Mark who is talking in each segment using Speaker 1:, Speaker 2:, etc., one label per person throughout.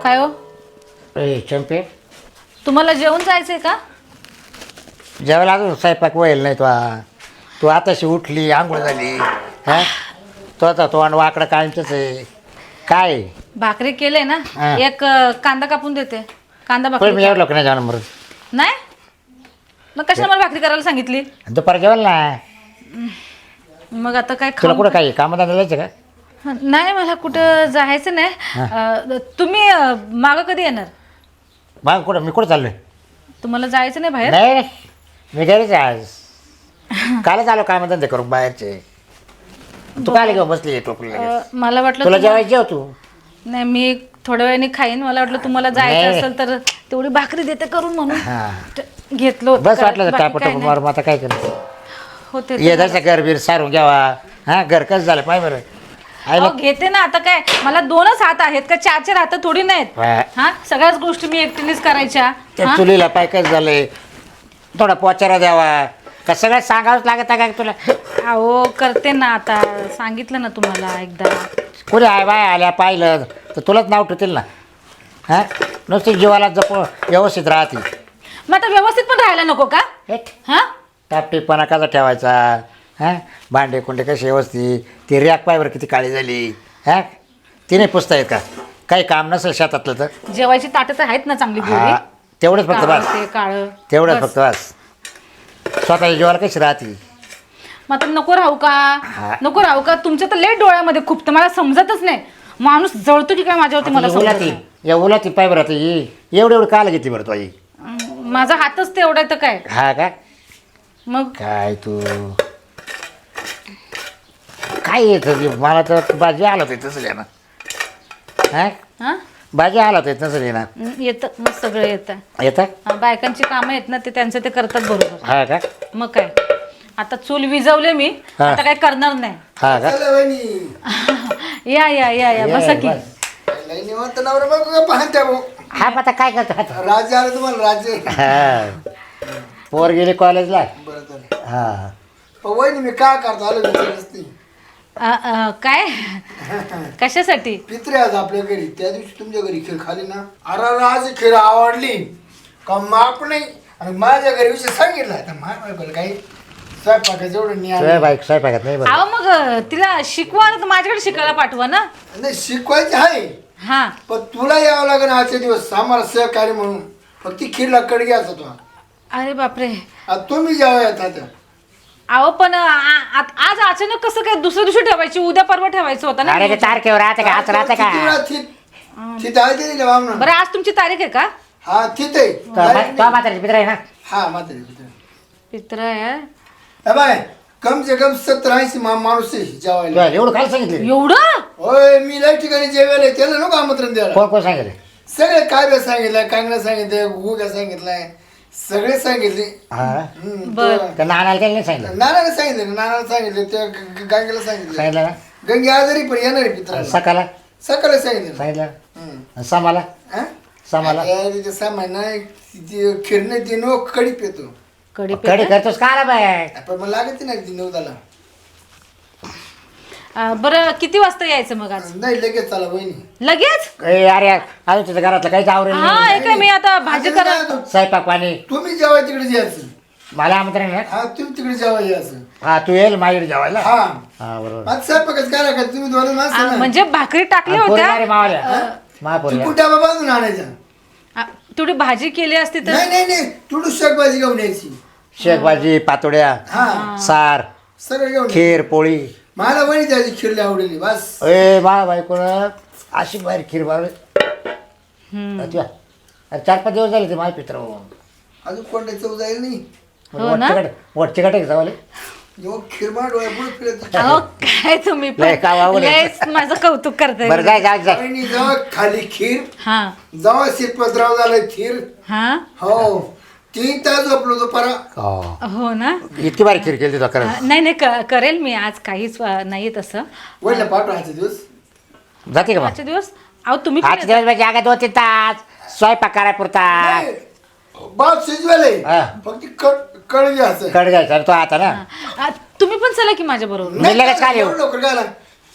Speaker 1: काय हो?
Speaker 2: ए चंपे,
Speaker 1: तुम्हाला जेवण जायचंय का?
Speaker 2: जेवायला अजून स्वयंपाक व्हायला नाही. तू आताशी उठली, आंघोळ झाली. हा, तो आता तो आणि वाकडं कायमचंच आहे. काय
Speaker 1: भाकरी केले ना.
Speaker 2: हा.
Speaker 1: एक कांदा कापून देते. कांदा
Speaker 2: पण
Speaker 1: भाकरी
Speaker 2: मी एवढं लोक नाही जाणार मरून.
Speaker 1: नाही. मग कशाला मला भाकरी करायला सांगितली?
Speaker 2: दुपार जेवायला ना.
Speaker 1: मग आता काय
Speaker 2: तुला
Speaker 1: खाऊ?
Speaker 2: कुठं काही कामात जायचं का?
Speaker 1: नाही, मला कुठं जायचं नाही. तुम्ही मागं कधी येणार?
Speaker 2: मग कुठं मी कुठं चाललोय?
Speaker 1: तुम्हाला जायचं नाही बाहेर?
Speaker 2: नाही, मी घरीच आहे आज. कालच आलो कामधंदे करून बाहेरचे. तू काय घेऊन बसली टोपली?
Speaker 1: मला वाटलं
Speaker 2: तुला जेवायची जेव तू.
Speaker 1: नाही, मी थोड्या वेळाने खाईन. मला वाटलं तुम्हाला जायचं
Speaker 2: नाही.
Speaker 1: असेल तर तेवढी भाकरी देते करून म्हणून
Speaker 2: हा,
Speaker 1: घेतलं होतं.
Speaker 2: बस वाटलं तर
Speaker 1: बाकी
Speaker 2: टापट
Speaker 1: काय नाही.
Speaker 2: मारून आता काय करायचं?
Speaker 1: होते
Speaker 2: ये जसं घर बीर सारून घ्यावा. हा, घर कसं झालं पाय बरं.
Speaker 1: अहो, घेते ना. आता काय मला 2च हात आहेत का 4 हात थोडी नाहीत?
Speaker 2: हा.
Speaker 1: हा, सगळ्याच गोष्टी मी एकटीनेच करायच्या.
Speaker 2: त्या
Speaker 1: हा?
Speaker 2: चुलीला पाय कसं झालंय, थोडा पोचारा द्यावा का सगळं सांगावंच लागत का तुला?
Speaker 1: अहो, करते ना. आता सांगितलं ना तुम्हाला एकदा.
Speaker 2: कुणी आय बाय आल्या पाहिलं तर तुलाच नाव ठेवतील ना. हा, नुसती जीवाला जप व्यवस्थित राहते.
Speaker 1: मग आता व्यवस्थित पण राहायला नको का?
Speaker 2: हेट,
Speaker 1: हा,
Speaker 2: टापटीपणा कसा ठेवायचा? हा, भांडे कुंडे कसे व्यवस्थित. ती रॅक पायवर किती काळी झाली. हा, तिने पुसता येत का? काही काम नसेल शेतातलं तर
Speaker 1: जेवायची ताटं तर आहेत ना चांगली
Speaker 2: हा,
Speaker 1: गोरी.
Speaker 2: तेवढंच फक्त
Speaker 1: काळं
Speaker 2: बस.
Speaker 1: ते काळं.
Speaker 2: तेवढंच
Speaker 1: बस.
Speaker 2: फक्त बस. स्वतःच्या जीवाला कशी राहते?
Speaker 1: मग आता नको राहू का?
Speaker 2: हा.
Speaker 1: नको राहू का? तुमच्या तर लेट डोळ्यामध्ये खूप तर मला समजतच नाही. माणूस जळतो की काय माझ्यावरती मला समजत
Speaker 2: उलाती
Speaker 1: नाही.
Speaker 2: या उलाती पाय बरं आता एवढं एवढं काल घेते बरं तू आई?
Speaker 1: माझा हातच तेवढा आहे तर काय.
Speaker 2: हा का?
Speaker 1: मग
Speaker 2: काय तू काय येतं मला तर भाजी आला तर तसं ना. हा,
Speaker 1: हा,
Speaker 2: भाजी आला तर तसं ना.
Speaker 1: येतं मग सगळं येतं.
Speaker 2: येतं.
Speaker 1: बायकांची कामं आहेत ना ते त्यांचं ते करतात बरोबर.
Speaker 2: हा का?
Speaker 1: मग काय. आता चूल विजवले मी.
Speaker 2: हा.
Speaker 1: आता काय करणार नाही.
Speaker 2: हा का?
Speaker 1: या या या या बसा की.
Speaker 3: निवांत नवरा बायको पाहत्या भाऊ.
Speaker 2: हा, मग आता काय करतो आता?
Speaker 3: राज्य आलं तुम्हाला राज्य.
Speaker 2: हा, पोर गेली कॉलेजला.
Speaker 3: बरं झालं.
Speaker 2: हा,
Speaker 3: वहिनी मी काय करतो आलो विचारच नाही.
Speaker 1: काय कशासाठी?
Speaker 3: पित्रे आज आपल्या घरी त्या दिवशी तुमच्या घरी खीर खाली ना. अरे आज खीर आवडली का माप नाही. आणि माझ्या घरी विषय सांगितलं आता माझ्या काही स्वयंपाकाचं एवढं नाही
Speaker 2: बाईक स्वयंपाकात नाही बरं.
Speaker 1: अहो, मग तिला शिकवा ना तर माझ्याकडे शिकायला पाठवा ना.
Speaker 3: नाही शिकवायचं आहे.
Speaker 1: हा,
Speaker 3: पण तुला यावं लागेल आजचे दिवस आम्हाला सहकार्य म्हणून. फक्त खीरला कड घ्यायचा तो.
Speaker 1: अरे बापरे.
Speaker 3: आता तुम्ही जेव्हा येतात
Speaker 1: अहो, पण आज अचानक कसं काय दुसऱ्या दिवशी ठेवायची? उद्या परवा ठेवायचं होतं ना.
Speaker 2: अरे ते तारखेवर राहते का? आज राहते का?
Speaker 3: तिथे आहे ते दिले बामणा.
Speaker 1: बरं, आज तुमची तारीख आहे का?
Speaker 3: हा तिथे
Speaker 2: तो म्हातारी मित्र आहे ना.
Speaker 3: हा मात्र
Speaker 1: पित्र आहे.
Speaker 3: बाय कम से कम 70-80 माणूस आहे जेवायला.
Speaker 2: तुला एवढं काय सांगितलं?
Speaker 1: एवढं?
Speaker 3: होय मी लय ठिकाणी जेवायला त्याला नको आमंत्रण द्यायला.
Speaker 2: कोण कोण सांगितलं?
Speaker 3: सगळे काय सांगितलंय, कांगडा सांगितलंय, गुग्या सांगितलंय, सगळे सांगितले.
Speaker 2: हा,
Speaker 1: बर.
Speaker 2: त्या नानाला काही नाही सांगितलं?
Speaker 3: नानाला सांगितलं, नानाला सांगितलं, त्या गांगेला सांगितलं.
Speaker 2: सांगितलं ना.
Speaker 3: गंगे आजारी पण येणार आहे पित्राला.
Speaker 2: सकाळला
Speaker 3: सकाळी सांगितलं.
Speaker 2: सांगितलं. समाला
Speaker 3: हा?
Speaker 2: समाला
Speaker 3: अरे ते सामान नाही ते खिरणे ते नो कडी पितो.
Speaker 1: कडी
Speaker 2: कडी करतोस का रे बाय?
Speaker 3: पण मग लागत नाही ती नवदाला.
Speaker 1: बरं, किती वाजता यायचं मग आज?
Speaker 3: नाही लगेच चला वहिनी.
Speaker 1: लगेच?
Speaker 2: ए अरे अजून तुझ्या घरातलं काहीच आवरेल
Speaker 1: हा,
Speaker 2: नाही.
Speaker 1: ऐका मी आता भाजी
Speaker 3: आता
Speaker 1: करा.
Speaker 3: काय होतं?
Speaker 2: स्वयंपाक पाणी.
Speaker 3: तुम्ही जेव्हा तिकडे यायचं.
Speaker 2: मला आमंत्रण आहे ना?
Speaker 3: हा तुम्ही तिकडे जेव्हा यायचं.
Speaker 2: हा, तू येईल माझ्याकडे जेवायला.
Speaker 3: हा
Speaker 2: हा, बरोबर.
Speaker 3: आता स्वयंपाकच काय का तुम्ही दोन माणसं ना.
Speaker 1: म्हणजे भाकरी टाकल्या
Speaker 2: पोरी
Speaker 1: होत्या.
Speaker 2: अरे मावाल्या. महापोरी.
Speaker 3: चिकू डबा बांधून आणायचा.
Speaker 1: तेवढी भाजी केली असती तर.
Speaker 3: नाही नाही नाही तुडू शाकभाजी घेऊन यायची.
Speaker 2: शेकभाजी, पातोड्या,
Speaker 3: हा
Speaker 2: सार,
Speaker 3: सगळं घेऊन यायचं.
Speaker 2: खीर, पोळी.
Speaker 3: मला वहिनी त्याची खिरली आवडली बस.
Speaker 2: ए मा बायकोन अशी बाहेर खीर बाळ. अरे 4-5 दिवस झाले ते माझे पित्र.
Speaker 3: अजून कोणत्या चव जाईल नाही.
Speaker 1: हो ना?
Speaker 2: वटचे काटे जावाले.
Speaker 3: जेव्हा खिरमाड डोळ्या पुढे फिरत.
Speaker 1: अहो, काय तुम्ही पण
Speaker 2: लय काय वावलं.
Speaker 1: लयच माझं कौतुक करताय.
Speaker 2: बरं जाय जाय जाय.
Speaker 3: वहिनी जेव्हा खाली खीर
Speaker 1: हा
Speaker 3: जेव्हा शिरपतराव झालं खीर.
Speaker 1: हा,
Speaker 3: हो 3 तास झोपलो तो परा.
Speaker 1: हो ना.
Speaker 2: इतकी बारीक खीर केली तुला खरंच.
Speaker 1: नाही नाही, करेल मी आज. काहीच नाही तसं.
Speaker 3: वहिनीला पाठवा आजचे दिवस.
Speaker 2: जाते का मग?
Speaker 1: आजचे दिवस अहो तुम्ही पण
Speaker 2: आजचे दिवस म्हणजे अगं 2-3 तास स्वयंपाक कराय पुरता.
Speaker 3: नाही, बाप शिजवाले
Speaker 2: हा.
Speaker 3: फक्त कळ घ्यायचं.
Speaker 2: कड घ्यायचा तो आता ना.
Speaker 1: तुम्ही पण चला की माझ्या बरोबर.
Speaker 2: मी लगेच काय येऊ?
Speaker 3: लवकर काय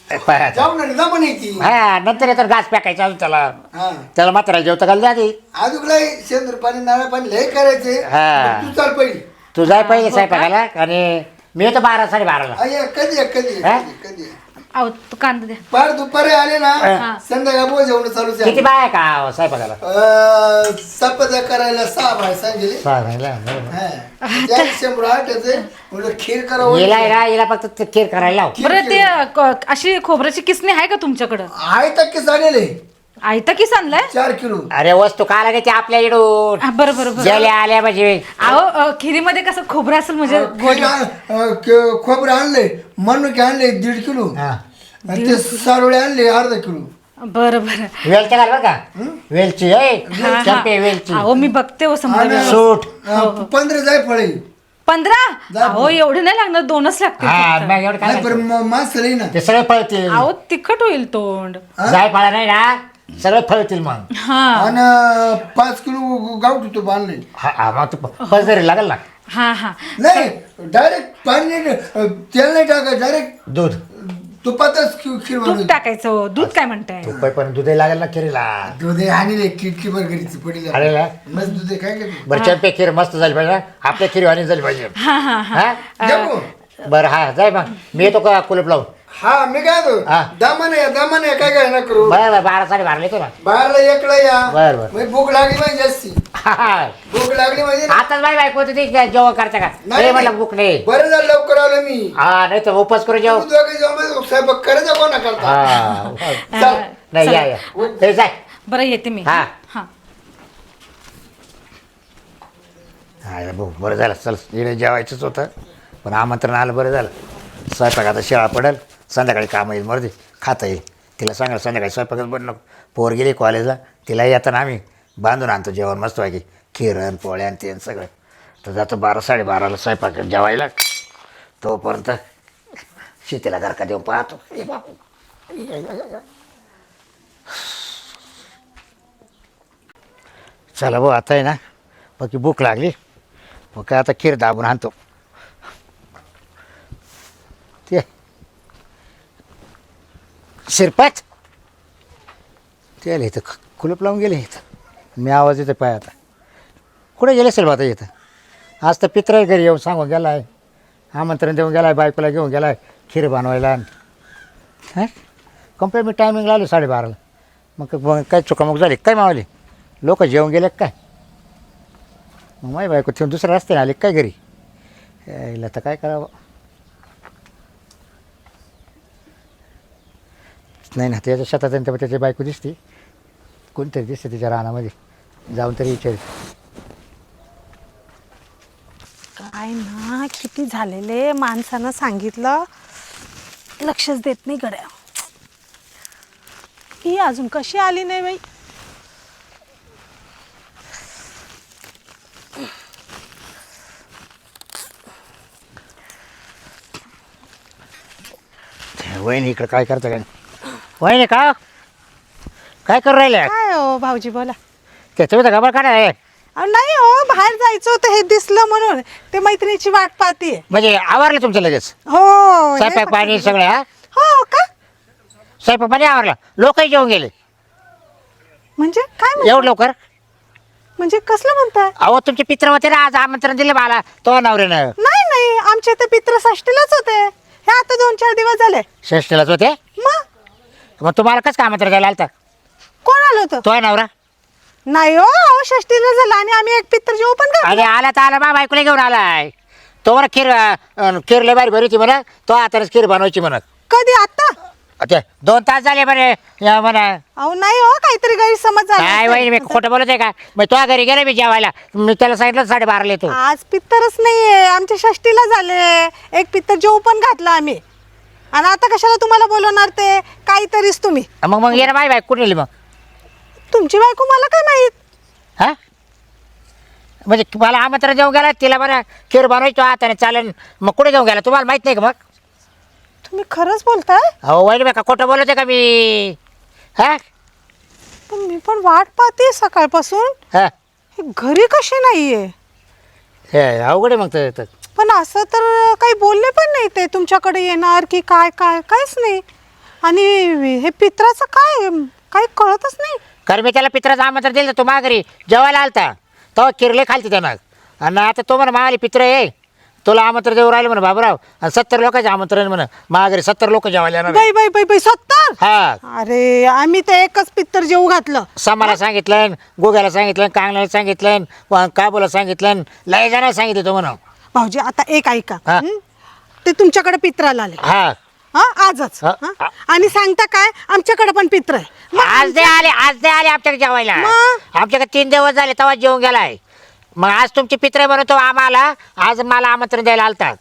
Speaker 2: पाय
Speaker 3: जाऊ ना जमा नाही ती
Speaker 2: हा नंतर येतात घास फेकायचा अजून त्याला
Speaker 3: हा
Speaker 2: त्याला मात्र जेवता घाल आधी
Speaker 3: अजून लय शेंदूर पाणी नारळ पाणी लय करायचे
Speaker 2: हा.
Speaker 3: तू चाल पहिली
Speaker 2: तू जाय पहिले स्वयंपाकाला आणि मी येतो 12 साडेबाराला
Speaker 3: अय्या कधी आहे, कधी आहे,
Speaker 2: हा?
Speaker 3: कधी आहे, कधी आहे.
Speaker 1: अहो तू कांदा द्या.
Speaker 3: पार दुपारी आले ना
Speaker 2: हा.
Speaker 3: संध्याकाळ बोल जेवण चालूच
Speaker 2: किती बाय का स्वयंपाकाला
Speaker 3: चपात्या करायला 6 बाय सांगितले
Speaker 2: सांगायला
Speaker 3: त्या 108 म्हणलं खीर करावं
Speaker 2: हिला आहे ना हिला फक्त ते खीर करायला लाव
Speaker 1: बरं ते अशी खोबऱ्याची किसणी आहे का तुमच्याकडं?
Speaker 3: आहे टक्के झालेले
Speaker 1: आयता किस आणलाय?
Speaker 3: 4 किलो
Speaker 2: अरे वस्तू का लागायची आपल्या इडून
Speaker 1: हा, बरं बरं बरं.
Speaker 2: गेल्या आल्या म्हणजे
Speaker 1: अहो खिरीमध्ये कसं खोबरं असेल म्हणजे गोड.
Speaker 3: खोबरं आणले मनुके आणले 1.5 किलो
Speaker 2: हा.
Speaker 3: आणि ते सारोळे आणले अर्धा किलो
Speaker 1: बरं बरं.
Speaker 2: वेलची घाल बरं का वेलची
Speaker 1: हा, हा.
Speaker 2: चंपे वेलची
Speaker 1: अहो मी बघते हो समजा
Speaker 3: आणि-
Speaker 1: व्यवस्थित.
Speaker 2: सूट
Speaker 3: 15 जाय फळे
Speaker 1: 15? अहो एवढे नाही लागणार, 2च लागतील
Speaker 2: हा
Speaker 1: फक्त.
Speaker 2: मग एवढं काय
Speaker 3: नाही पण मास लई ना
Speaker 2: ते सगळे फळतील
Speaker 1: अहो तिखट होईल तोंड.
Speaker 2: जाय फळा नाही ना सगळे फळतील मग
Speaker 1: हा
Speaker 3: आणि 5 किलो गावठी तूप आणले
Speaker 2: हा मग तू पसरी लागेल ना
Speaker 1: हा हा.
Speaker 3: नाही डायरेक्ट पाणी नाही, तेल नाही टाका डायरेक्ट
Speaker 2: दूध
Speaker 3: तुपातच खीर
Speaker 1: दूध
Speaker 3: बनवली
Speaker 1: टाकायचं हो. दूध काय म्हणताय?
Speaker 2: तूप पण दूधही लागेल ना खिरीला
Speaker 3: दूध आणले किटकी बर घरीची पडली
Speaker 2: अरे ला.
Speaker 3: मस्त दूध आहे, काय करते
Speaker 2: बरं चंपे खीर मस्त झाली पाहिजे आपल्या खीर वाणी झाली पाहिजे
Speaker 1: हा हा हा.
Speaker 2: हा
Speaker 3: जाऊ.
Speaker 2: बरं हा जाय मग मी येतो का कुलूप लावून
Speaker 3: हा मी काय
Speaker 2: हा.
Speaker 3: दामाने काय काय ना करू
Speaker 2: बरं बरं 12 साडेबाराला येतो ना
Speaker 3: बाहेरला एकला या
Speaker 2: बरं, बरं.
Speaker 3: मग भूक लागली म्हणजे जास्ती
Speaker 2: हा.
Speaker 3: भूक लागली म्हणजे
Speaker 2: आताच बाई बायको होती ती जेवण करता का नाही म्हटलं बुक नाही
Speaker 3: बरं झालं लवकर आलो मी
Speaker 2: हा नाही तर उपास करू जेव
Speaker 3: तू दोघे जेव्हा स्वयंपाक करायचा कोणा करता
Speaker 2: हा
Speaker 3: चल.
Speaker 2: नाही या या हे जाय
Speaker 1: बरं येते मी.
Speaker 2: हा.
Speaker 1: हा.
Speaker 2: हा भाऊ बरं झालं चल इकडे जेवायचंच होतं पण आमंत्रण आलं बरं झालं स्वयंपाक आता शेळा पडेल संध्याकाळी काम येईल मर्दी खाता येईल तिला सांगाल संध्याकाळी स्वयंपाकच बन नको पोर गेली कॉलेजला तिला येताना आम्ही बांधून आणतो जेवण मस्त वागे खिरण पोळ्या आणि ते आणि सगळं तर जातो 12 साडेबाराला स्वयंपाक जेवायला तोपर्यंत शेतीला घरका देऊन पाहतो ए बापू. चला भाऊ आता आहे ना बाकी भूक लागली मग काय आता खीर दाबून आणतो ते शिरपात ते आले इथं कुलूप लावून गेले इथं मी आवाज येतो पाय आता कुठे गेले असेल बा आता इथं आज तर पित्र घरी येऊन सांगून गेला आहे आमंत्रण देऊन गेला आहे बायकोला घेऊन गेला आहे खीर बनवायला हां कंप्लीट मी टायमिंग लावली 12:30 मग काय चुकामुक झाली काय मावली लोक जेवून गेले काय मग माही बायको ठेवून दुसऱ्या रस्त्याने आले काय घरी यायला तर काय करावं नाही ना त्याच्या शेतात आणि त्याची बायको दिसते कोणतरी दिसते तिच्या रानामध्ये जाऊन तरी विचार
Speaker 4: काय ना किती झालेले माणसानं सांगितलं लक्षच देत नाही गड्या ही अजून कशी आली नाही बाई
Speaker 2: वहिनी इकडं काय करता काय वहिनी का काय करू राहिले
Speaker 4: काय हो भाऊजी बोला
Speaker 2: त्याचं तर खबर काढा आहे
Speaker 4: अहो, नाही हो बाहेर जायचं होतं हे दिसलं म्हणून ते मैत्रिणीची वाट पाहतीये
Speaker 2: म्हणजे आवरलं तुमचं लगेच
Speaker 4: हो हे
Speaker 2: स्वयंपाक पाणी सगळं हा
Speaker 4: हो का
Speaker 2: स्वयंपाक पाणी आवरलं लोकही जेवून गेले
Speaker 4: म्हणजे काय
Speaker 2: एवढं लवकर
Speaker 4: म्हणजे कसलं म्हणताय
Speaker 2: अहो तुमचे पित्र होते ना आज आमंत्रण दिलं मला तो नवऱ्यानं
Speaker 4: नाही नाही आमच्या इथे पित्रषष्टीलाच होते हे आता 2-4 दिवस झाले
Speaker 2: षष्टीलाच होते मग तुम्हाला कसं काय आमंत्रण द्यायला आलता
Speaker 4: कोण आलं होतं
Speaker 2: तो नवरा
Speaker 4: नाही हो अहो षष्टीला झालं आणि आम्ही एक पित्र जेवू पण का
Speaker 2: अरे आला तर आला मा बायकोला घेऊन आलाय तो म्हणा खीर लय बारी भरी म्हणा तो आताच खीर बनवायची म्हणत
Speaker 4: कधी आता
Speaker 2: अच्छा 2 तास झाले बरे या म्हणा
Speaker 4: अहो नाही हो काहीतरी गैरसमज झाला
Speaker 2: काय
Speaker 4: असेल.
Speaker 2: वहिनी मी खोटं बोलत आहे का मग तो घरी गेला मी जेवायला मी त्याला सांगितलं 12:30 येतो
Speaker 4: आज पित्तरच नाहीये आमच्या षष्टीला झाले एक पित्तर जेवू पण घातलं आम्ही आणि आता कशाला तुम्हाला बोलवणार ते काहीतरीच तुम्ही
Speaker 2: मग ये ना माय बायको कुठे नेली मग
Speaker 4: तुमची बायको मला काय माहित
Speaker 2: हा म्हणजे मला आमंत्रण देऊन गेला तिला बरं खीर बनवायचो हाताने चालेल मग कुठे घेऊन गेला तुम्हाला माहित नाही का मग
Speaker 4: तुम्ही खरंच बोलताय
Speaker 2: अहो वहिनी बा का खोटं बोलत आहे का मी हा
Speaker 4: पण मी पण वाट पाहते सकाळपासून
Speaker 2: हा
Speaker 4: हे घरी कशी नाहीये
Speaker 2: हे अवघड आहे मग तर
Speaker 4: पण असं तर काही बोलले पण नाही ते तुमच्याकडे येणार की काय काय काहीच नाही आणि हे पित्राचं काय काही कळतच नाही.
Speaker 2: कारण मी त्याला पित्राचं आमंत्रण दिलं तो माघारी जेवायला आलता तेव्हा किरले खालते त्यानं. आणि आता तो म्हणा मागाली पित्र आहे तुला आमंत्रण देऊ राहिलं म्हणा बाबूराव. आणि 70 लोकांचे आमंत्रण म्हणा माघारी 70 लोक जेवायला येणार.
Speaker 4: बाई बाई बाई बाई 70.
Speaker 2: हा
Speaker 4: अरे आम्ही तर एकच पित्तर जेवू घातलं.
Speaker 2: समाला सांगितलं, गोग्याला सांगितलं, कांगण्याला सांगितलं, काबूला सांगितलं, लय जणांना सांगितलं तो म्हणा.
Speaker 4: भाऊजी आता एक ऐका.
Speaker 2: हा.
Speaker 4: ते तुमच्याकडे पित्राला आले
Speaker 2: हा
Speaker 4: आजच.
Speaker 2: हा.
Speaker 4: हा? आणि सांगता काय आमच्याकडे पण पित्र आहे. मग
Speaker 2: आज दे आले आमच्याकडे जेवायला.
Speaker 4: मग?
Speaker 2: आमच्याकडे 3 दिवस झाले तेव्हा जेवून गेलाय. मग आज तुमची पित्रे बनवतो आम्हाला आज मला आमंत्रण द्यायला आलतात.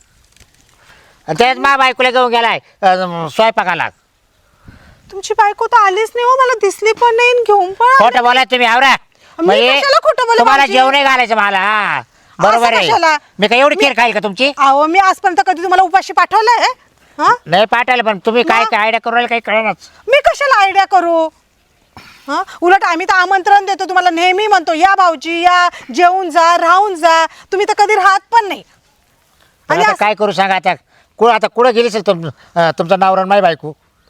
Speaker 2: आणि त्याच मा बायकोला घेऊन गेलाय स्वयंपाकाला.
Speaker 4: तुमची बायको तर आलीच नाही हो, मला दिसली पण नाही आणि घेऊन पण आली.
Speaker 2: खोटं बोलाय तुम्ही आवरा.
Speaker 4: मी कशाला खोटं बोलू
Speaker 2: तुम्हाला
Speaker 4: भाऊजी?
Speaker 2: जेवण घालायचं मला. हा बरोबर
Speaker 4: असं कशाला?
Speaker 2: आहे. मी काय एवढी खीर खाईल का तुमची?
Speaker 4: अहो मी आजपर्यंत कधी तुम्हाला उपाशी पाठवलंय? हा
Speaker 2: नाही पाठवलं पण तुम्ही काय
Speaker 4: मग?
Speaker 2: काय आयडिया करू राहिले काही कळणार.
Speaker 4: मी कशाला आयडिया करू? हा उलट आम्ही तर आमंत्रण देतो तुम्हाला, नेहमी म्हणतो या भाऊजी या, जेवून जा, राहून जा. तुम्ही तर कधी राहत पण नाही. आणि
Speaker 2: आता काय करू सांगा आता आता कुठं गेली असेल तुमचा नवरा आणि माझी बायको?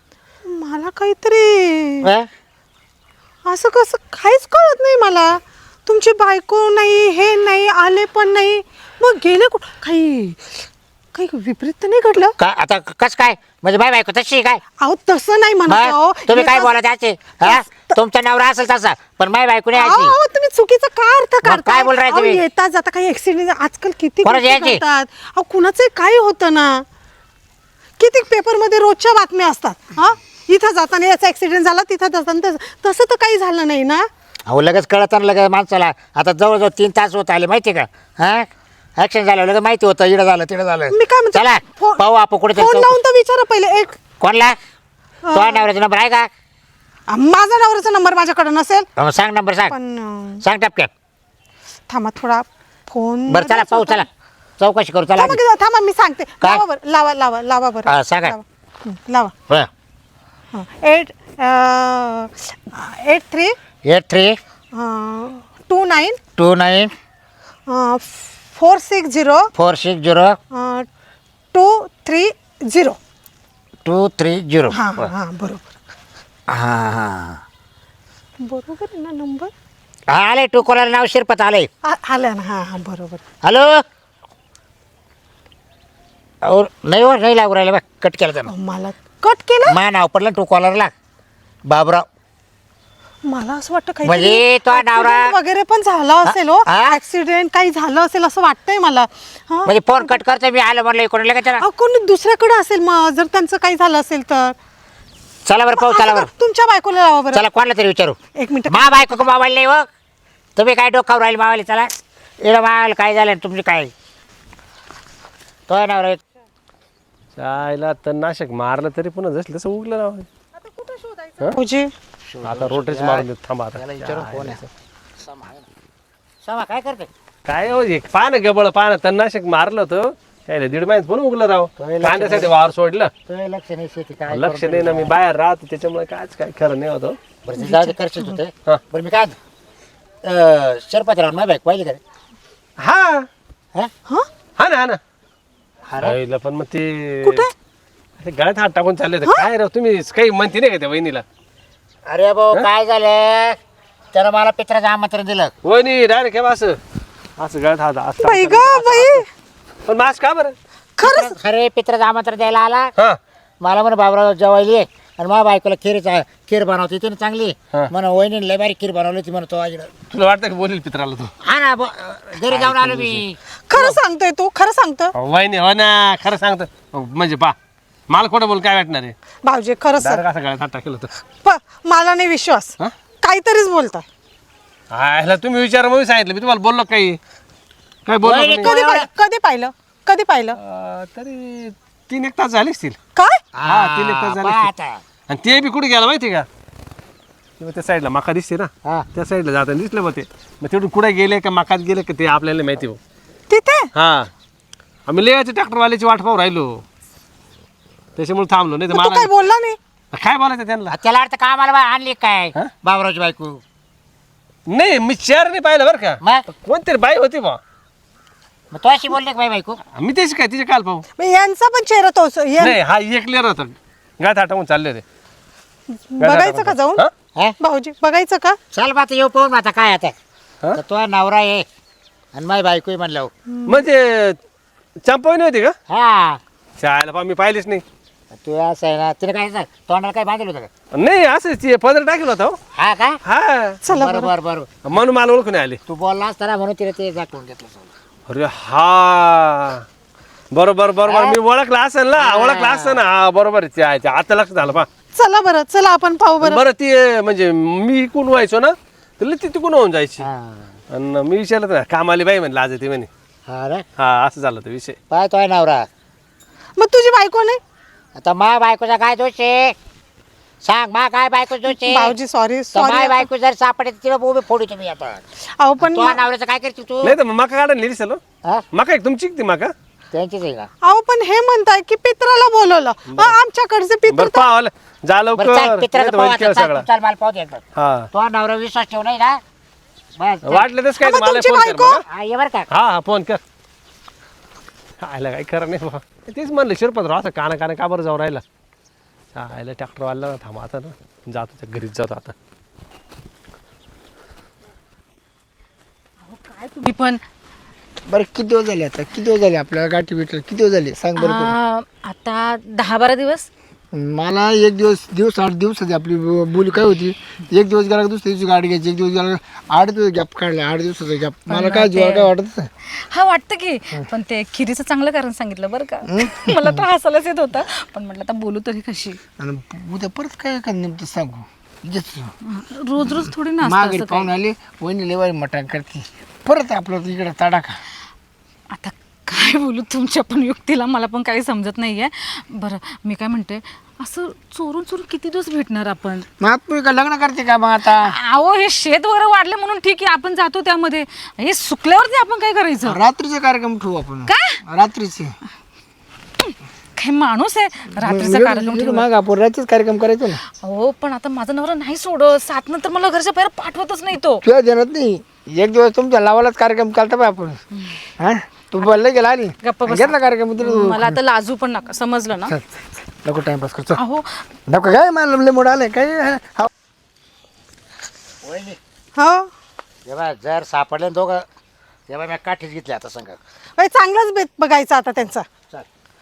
Speaker 4: मला काहीतरी
Speaker 2: हा?
Speaker 4: असं कसं काहीच कळत नाही मला. तुमची बायको नाही, हे नाही, आले पण नाही, मग गेले कुठं? काही काही विपरीत तर नाही घडलं?
Speaker 2: का आता कस काय म्हणजे माझी बायको तशी आहे काय?
Speaker 4: अहो तसं नाही म्हणत
Speaker 2: मग
Speaker 4: अहो.
Speaker 2: तुम्ही काय
Speaker 4: याचा-
Speaker 2: बोला त्याचे हा? तुमचा नवरा असेल तसा पण माझी बायको नाही
Speaker 4: अहो,
Speaker 2: याची.
Speaker 4: अहो, तुम्ही चुकीचा काय अर्थ
Speaker 2: मग
Speaker 4: काढताय?
Speaker 2: काय बोल राय
Speaker 4: अहो,
Speaker 2: तुम्ही?
Speaker 4: येता जाता काही ऍक्सिडेंट आजकाल किती
Speaker 2: कोणाची
Speaker 4: गोष्टी
Speaker 2: याची?
Speaker 4: घडतात. अहो कुणाचं काही होतं ना, किती पेपर मध्ये रोजच्या बातम्या असतात. हा इथं जाताना याचा ऍक्सिडेंट झाला, तिथं जाताना तसं तर काही झालं नाही ना.
Speaker 2: अहो लगेच कळत लगेच माणसाला. आता जवळजवळ 3 तास होत आले माहिती का? हा ऍक्शन झालं लगेच माहिती होतं इडं झालं तिडं झालं.
Speaker 4: मी काय म्हणते,
Speaker 2: चला
Speaker 4: फोन-
Speaker 2: पाहू आपण कुठे
Speaker 4: फोन लावून तर विचारा पहिले. एक
Speaker 2: कोणला तो नवऱ्याचा नंबर आहे का?
Speaker 4: माझा नवऱ्याचा नंबर माझ्याकडे नसेल
Speaker 2: मग सांग नंबर सांग
Speaker 4: पण
Speaker 2: सांग टपक्यात.
Speaker 4: थांबा थोडा फोन.
Speaker 2: बरं चला पाहू चला चौकशी करू चला.
Speaker 4: थांबा मी सांगते.
Speaker 2: काय?
Speaker 4: लावा बरं, लावा बरं.
Speaker 2: हा, सांगा.
Speaker 4: लावा.
Speaker 2: बरं.
Speaker 4: 83
Speaker 2: 83
Speaker 4: 29
Speaker 2: 29
Speaker 4: 460
Speaker 2: 460
Speaker 4: 230.
Speaker 2: 230.
Speaker 4: हां हां बरोबर
Speaker 2: हां हां
Speaker 4: बरोबर आहे ना नंबर?
Speaker 2: हा आले टू कॉलर नाव शिरपत आले.
Speaker 4: आलं ना. हां हां बरोबर.
Speaker 2: हॅलो अहो नाही हो नाही लागू राहिलं बा कट केलं त्यानं.
Speaker 4: मला कट केलं.
Speaker 2: मा नाव पडलं टू कॉलरला बाबराव.
Speaker 4: मला असं वाटतं काही
Speaker 2: म्हणजे तो नवरा-
Speaker 4: वगैरे पण झाला असेल हो.
Speaker 2: हा?
Speaker 4: ऍक्सिडेंट काही झालं असेल असं वाटतंय मला. हा
Speaker 2: म्हणजे फोन कट करतो मी आलं म्हणलं इकडून लगेच चला.
Speaker 4: अहो, कोणी दुसऱ्याकडे असेल मग जर त्यांचं काही झालं असेल तर.
Speaker 2: चला बरं पाहू चला
Speaker 4: असं
Speaker 2: बरं.
Speaker 4: का? तुमच्या बायकोला लावा बरं.
Speaker 2: चला कोणाला तरी विचारू.
Speaker 4: एक मिनिट.
Speaker 2: मा बायको मोबाईल नाही हो. तुम्ही काय डोकावर राहील मावाले चला इकडं मावायला काय झालं तुमची काय तो नवरा
Speaker 5: चायला तणनाशक मारलं तरी पुन्हा जसं तसं उगलं ना.
Speaker 4: भाऊजी
Speaker 5: आता रोटेच मारून देत थांबा आता.
Speaker 2: समा काय करते?
Speaker 5: काय हो हे पान गबळ पान तणनाशक मारलं होतं त्याला 1.5 महिन्यात पुन्हा उगलं राव. कांद्यासाठी वावर सोडलं.
Speaker 2: तो लक्ष नाही शेती काय
Speaker 5: लक्ष नाही ना मी बाहेर राहतो त्याच्यामुळे कायच काय खरं नाही होतं.
Speaker 2: बरं ते जाऊ दे करशील तू ते.
Speaker 5: हा.
Speaker 2: बरं मी काय शरपत राहून माझी बाईक पाहिली का रे?
Speaker 5: हा
Speaker 2: हा?
Speaker 5: हा ना हा ना
Speaker 2: अरे
Speaker 5: आईला पण मग ते
Speaker 4: कुठे?
Speaker 5: अरे गळ्यात हात टाकून चालले होते काय राव तुम्ही काही म्हणते नाही का त्या वहिनीला?
Speaker 2: अरे भाऊ काय झालं त्यानं मला पित्राचं आमंत्रण दिलं.
Speaker 5: वहिनी डायरेक्ट केव्हा असं असं गळ्यात हात असं
Speaker 4: बाई ग बाई
Speaker 5: पण मास्क का बरं?
Speaker 4: खरंच.
Speaker 2: खरे पित्राचं आमंत्रण द्यायला आला.
Speaker 5: हा
Speaker 2: मला म्हणा बाबराव जेवायली आणि माझ्या बायकोला खीर बनवते ती ना चांगली.
Speaker 5: हा.
Speaker 2: म्हणा वहिनी लय बारी खीर बनवली होती म्हणतो आईला.
Speaker 5: तुला वाटतं की बोलेल पित्राला तू?
Speaker 2: हा ना घरी जाऊन आलो मी.
Speaker 4: खरं सांगतोय तू खरं सांगतो.
Speaker 5: वहिनी हो ना खरं सांगतो म्हणजे पा मला खोटं बोल काय वाटणार आहे?
Speaker 4: भाऊजी खरं सांग.
Speaker 5: डायरेक्ट असं गळ्यात हात टाकेल होतं.
Speaker 4: मला नाही विश्वास.
Speaker 5: हा?
Speaker 4: काहीतरीच बोलताय.
Speaker 5: ह्याला तुम्ही विचार मग सांगितलं मी तुम्हाला बोललो काही काय बोललो
Speaker 2: वहिनी,
Speaker 5: का नाही?
Speaker 4: कधी पाहिलं
Speaker 5: तरी 3-1 तास झाले असतील.
Speaker 4: काय?
Speaker 5: हा 3-1 तास झाले
Speaker 2: पहा
Speaker 5: असतील.
Speaker 2: आता.
Speaker 5: आणि ते बी कुठे गेला माहिती का? किंवा त्या साईडला मका दिसते ना
Speaker 2: हा.
Speaker 5: त्या साईडला जाताना दिसलं मग ते मग तिकडून कुठे गेले का मकात गेले का ते आपल्याला नाही माहिती हो.
Speaker 4: तिथे
Speaker 5: हा आम्ही लेयाच्या ट्रॅक्टरवाल्याची वाट पाहू राहिलो त्याच्यामुळे थांबलो नाही तर
Speaker 4: मग तू
Speaker 5: मला
Speaker 4: काय बोलला नाही?
Speaker 5: काय बोलायचं त्यांना?
Speaker 2: त्याला अर्थ कामाला आणली काय
Speaker 5: हा?
Speaker 2: बाबरावची बायको.
Speaker 5: नाही मी चेअर नाही पाहिलं बरं का.
Speaker 2: मग
Speaker 5: कोणतरी बाई होती बा
Speaker 2: मग तो अशी बोलली का बाई बायको?
Speaker 5: मी त्याची काय तिचे काल पाहू
Speaker 4: मग यांचा पण चेहरा तोच
Speaker 5: नाही हा एक लेअर होता गाठ हटवून चालले होते
Speaker 4: बघायचं का जाऊन
Speaker 5: हा?
Speaker 2: हा?
Speaker 4: भाऊजी बघायचं का
Speaker 2: चल मग आता येऊ पाहून मग आता काय आता
Speaker 5: हा?
Speaker 2: तर तो नवरा आहे आणि माझी बायकोही म्हणलं
Speaker 5: म्हणजे चंपावणी होती का
Speaker 2: हा
Speaker 5: शाळेला पा मी पाहिलीच नाही
Speaker 2: तू असं आहे ना तिने काय सांग तोंडाला काय बांधलं होतं का
Speaker 5: नाही असंच पदर टाकेल होता हो.
Speaker 2: हा का
Speaker 5: हा
Speaker 4: चला
Speaker 2: बरं बरं बरं
Speaker 5: म्हणून मला ओळखून आले
Speaker 2: तू बोलला असताना म्हणून तिने ते दाखवून घेतलं सगळं.
Speaker 5: अरे हा बरोबर बरोबर मी ओळखला असेल ना ओळखला असेल ना हा बरोबर आहे. आता लक्षात झालं पा
Speaker 4: चला बरं चला आपण पाहू बरं
Speaker 5: बरं ती म्हणजे मी इकून व्हायचो ना तर ती तिकून होऊन जायची
Speaker 2: हा
Speaker 5: आणि मी विचारलं ना कामाली बाई म्हणलं आज ती म्हणे
Speaker 2: हा रे
Speaker 5: हा असं झालं तो विषय
Speaker 2: पाय तो आहे नवरा
Speaker 4: मग तुझी बायको नाही
Speaker 2: आता मा बायकोचा काय दोष आहे सांग मा काय बायको दोष आहे
Speaker 4: भाऊजी सॉरी
Speaker 2: तर
Speaker 4: सॉरी
Speaker 2: माय बायको जर सापडे तिला उभी फोडू तुम्ही आता
Speaker 4: अहो पण
Speaker 2: तो नवऱ्याचं काय करते तू
Speaker 5: नाही तर मका काढायला नेली चलो
Speaker 2: हा
Speaker 5: मका एक तुमची ती मका
Speaker 2: त्यांचीच आहे का
Speaker 4: अहो पण हे म्हणताय की पित्राला बोलवलं आमच्याकडचे पित्र
Speaker 5: बरं पाहावं जा लवकर
Speaker 2: बरं चाल
Speaker 5: नाही
Speaker 2: पित्राचं
Speaker 5: तर
Speaker 2: पाहू
Speaker 5: होईल खेळ
Speaker 2: आता
Speaker 5: सगळा
Speaker 2: चाल मला पाहू दे एकदा
Speaker 5: हा
Speaker 2: तो नवरा विश्वास ठेवू नाही ना बस चल.
Speaker 5: वाटलं तस काय
Speaker 4: मग
Speaker 5: मला
Speaker 4: तुमची
Speaker 5: फोन कर
Speaker 4: बायको?
Speaker 5: बघा.
Speaker 2: हा ये बरं का
Speaker 5: हा हा फोन कर आयला काही खरं नाही बाबा तेच म्हणलं शिरपतराव असं काना काना का बरं जाऊ राहिला आयला ट्रॅक्टर वाढला ना थांबा आता ना जातो त्या घरीच जातो आता
Speaker 1: तुम्ही पण
Speaker 3: बरं किती दिवस झाले आता किती दिवस झाले आपल्याला गाठी भेटलं किती दिवस झाले सांग बरं तू.
Speaker 1: आता 10-12 दिवस
Speaker 3: मला एक दिवस 8 दिवसाची आपली बोली काय होती एक दिवस गेला का दुसऱ्या दिवशी गाडी घ्यायची एक दिवस गेला का 8 दिवस गॅप काढला 8 दिवसाचा गॅप मला काय जीवाला काय वाटत नाही.
Speaker 1: हा वाटतं की पण ते खिरीचं चांगलं कारण सांगितलं बरं का मला तर हसायलाच येत होतं पण म्हटलं आता बोलू तरी कशी
Speaker 3: आणि उद्या परत काय का नेमकं सांगू
Speaker 1: रोज रोज थोडी ना असतं
Speaker 3: मागे
Speaker 1: असं
Speaker 3: पाहून आले वहिनी लेवारी मटण करते परत आपलं इकडे तडाखा
Speaker 1: आता काय बोलू तुमच्या पण युक्तीला मला पण काही समजत नाहीये बरं मी काय म्हणते असं चोरून चोरून किती दिवस भेटणार आपण
Speaker 3: मग आपण का लग्न करते का मग आता
Speaker 1: अहो हे शेत वगैरे वाढले म्हणून ठीक आहे आपण जातो त्यामध्ये हे सुकल्यावरती आपण काय करायचं
Speaker 3: रात्रीचा कार्यक्रम ठेवू आपण
Speaker 1: काय?
Speaker 3: रात्रीचे
Speaker 1: काय माणूस आहे रात्रीचा कार्यक्रम ठेवला.
Speaker 3: मग आपण रात्रीच कार्यक्रम करायचो ना
Speaker 1: हो पण आता माझा नवरा नाही सोडत 7 नंतर मला घरच्या बाहेर पाठवतच नाही तो
Speaker 3: तुला देणार नाही एक दिवस तुमच्या लावालाच कार्यक्रम करता पाय आपण हा तू बोलले गेला आली
Speaker 1: गप्प बसा.
Speaker 3: घेतला कार्यक्रम तुला
Speaker 1: मला आता लाजू पण नका समजलं ना
Speaker 3: चल, नको टाइमपास करतो
Speaker 1: अहो
Speaker 3: नको काय मला लय मोड आलंय काय हा.
Speaker 2: वहिनी
Speaker 4: हो
Speaker 2: जेव्हा जर सापडले ना दोघं तेव्हा मी काठीच घेतली आता सांगा
Speaker 4: बाई, चांगलाच बेत बघायचा आता त्यांचा
Speaker 2: चल